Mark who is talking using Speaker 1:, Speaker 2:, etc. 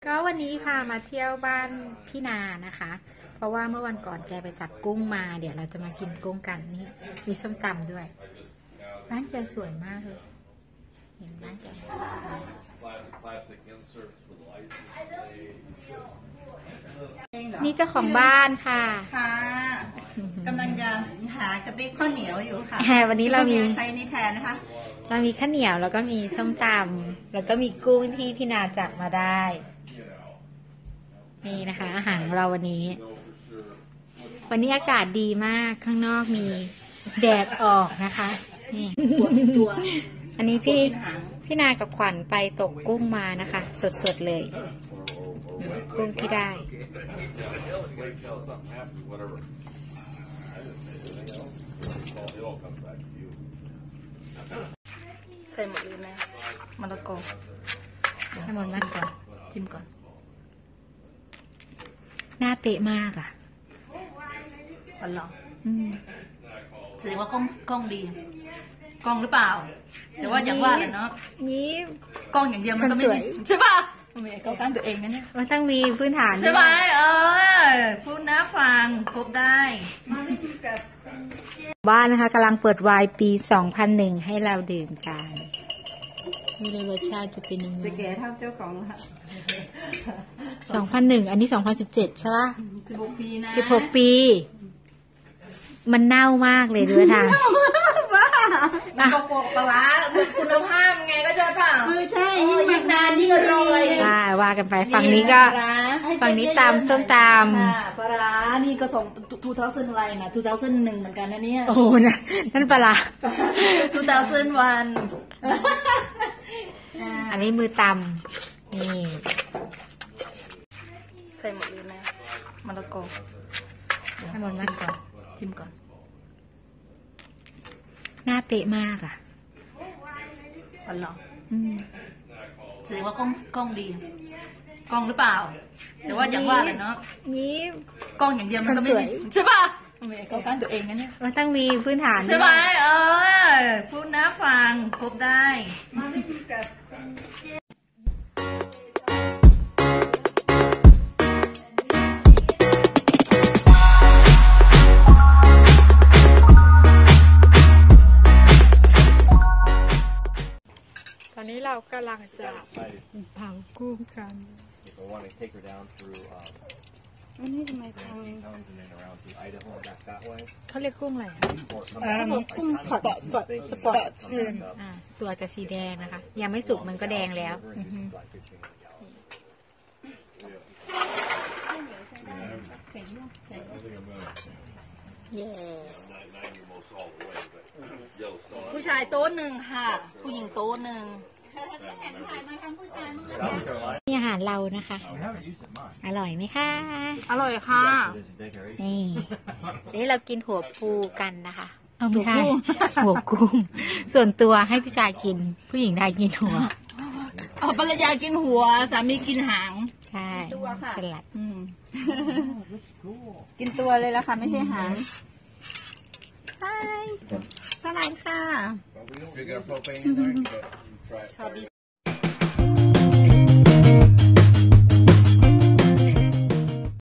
Speaker 1: ก็วันนี้พามาเที่ยวบ้านพี่นานะคะ เพราะว่าเมื่อวันก่อนแกไปจับกุ้งมาเดี๋ยวเราจะมากินกุ้งกันนี่มีส้มตำด้วยบ้านแกสวยมากเลยเห็นบ้านแกนี่เจ้าของบ้านค่ะ
Speaker 2: ค่ะกำลังจะหากระติบข้าวเหนียวอยู่ค่ะ
Speaker 1: วันนี้เรามี
Speaker 2: ใช้นี่แทนนะคะ
Speaker 1: เรามีข้าวเหนียวแล้วก็มีส้มตำแล้วก็มีกุ้งที่พี่นาจับมาได้นี่นะคะอาหารของเราวันนี้อากาศดีมากข้างนอกมีแดดออกนะคะนี่ตัวอันนี้พี่นากับขวัญไปตกกุ้งมานะคะสดๆเลยกุ้งที่ได้
Speaker 2: ใส่หมดเลยไหมมะละกอ
Speaker 1: ให้หมดนั่นก่อน
Speaker 2: จิ้มก่อน
Speaker 1: หน้าเป๊ะมาก
Speaker 2: อ๋อเหรอแสดงว่ากล้องดีกล้องหรือเปล่าแต่ว่าอย่างว่าแหละเนาะ
Speaker 1: นี่
Speaker 2: กล้องอย่างเดียวมันก็ไม่ดีใช่ป่ะไม่เข้าข้างตัวเองนะเนี่ย
Speaker 1: มันต้องมีพื้นฐาน
Speaker 2: ใช่ไหมพูดนะฟังครบได้
Speaker 1: บ้านนะคะกำลังเปิดไวน์ปี 2001 ให้เราดื่มกันไม่รู้รสชาติจะเป็นยังไง
Speaker 2: จะแก่เท่าเจ้าของค่ะ
Speaker 1: 2001 อันนี้ 2017 ใช่ป่ะ
Speaker 2: 16 ปีนะ
Speaker 1: 16 ปีมันเน่ามากเลยดูทาง
Speaker 2: กระปุกปลาคุณภาพไงก็จะเปล่า
Speaker 1: คือใช่
Speaker 2: ยิ่งนานยิ่งอร่อย
Speaker 1: ว่ากันไปฝั่งนี้ก็ฝั่งนี้ตำส้มต
Speaker 2: ำปลานี่ก็ส่ง2000อะไรนะ2001เหมือนกันนะเนี่ย
Speaker 1: โอ้นะนั่นปลา
Speaker 2: 2001
Speaker 1: อันนี้มือตำนี่
Speaker 2: ใส่หมดเลยไหมมะละกอ
Speaker 1: ให้หมดนั่นก่อน
Speaker 2: จิ้มก่อน
Speaker 1: หน้าเป๊ะมาก
Speaker 2: อ๋อเหรอแสดงว่ากล้องดีกล้องหรือเปล่าแต่ว่าอย่างว่าแหละเนาะ
Speaker 1: นี่
Speaker 2: กล้องอย่างเดียวมันก็ไม่ดีใช่ป่ะไม่เข้าข้างตัวเองนะเนี่ย
Speaker 1: มันต้องมีพื้นฐาน
Speaker 2: ใช่ไหมพูดนะฟังครบได้
Speaker 1: ตอนนี้เรากำลังจะเผากุ้งกันอันนี้ทำไมเขาเรียกกุ้งอะไรกุ้งสปอตตัวจะสีแดงนะคะยังไม่สุกมันก็แดงแล้ว
Speaker 2: ผู้ชายโต๊ะหนึ่งค่ะผู้หญิงโต๊ะหนึ่ง
Speaker 1: นี่อาหารเรานะคะอร่อยไหมคะ
Speaker 2: อร่อยค่ะ
Speaker 1: นี่เรากินหัวปูกันนะคะไม่ใช่หัวกุ้งส่วนตัวให้ผู้ชายกินผู้หญิงได้กินหัว
Speaker 2: ภรรยากินหัวสามีกินหาง
Speaker 1: ใช่สลัด
Speaker 2: กินตัวเลยละค่ะไม่ใช่หางสลัดค่ะ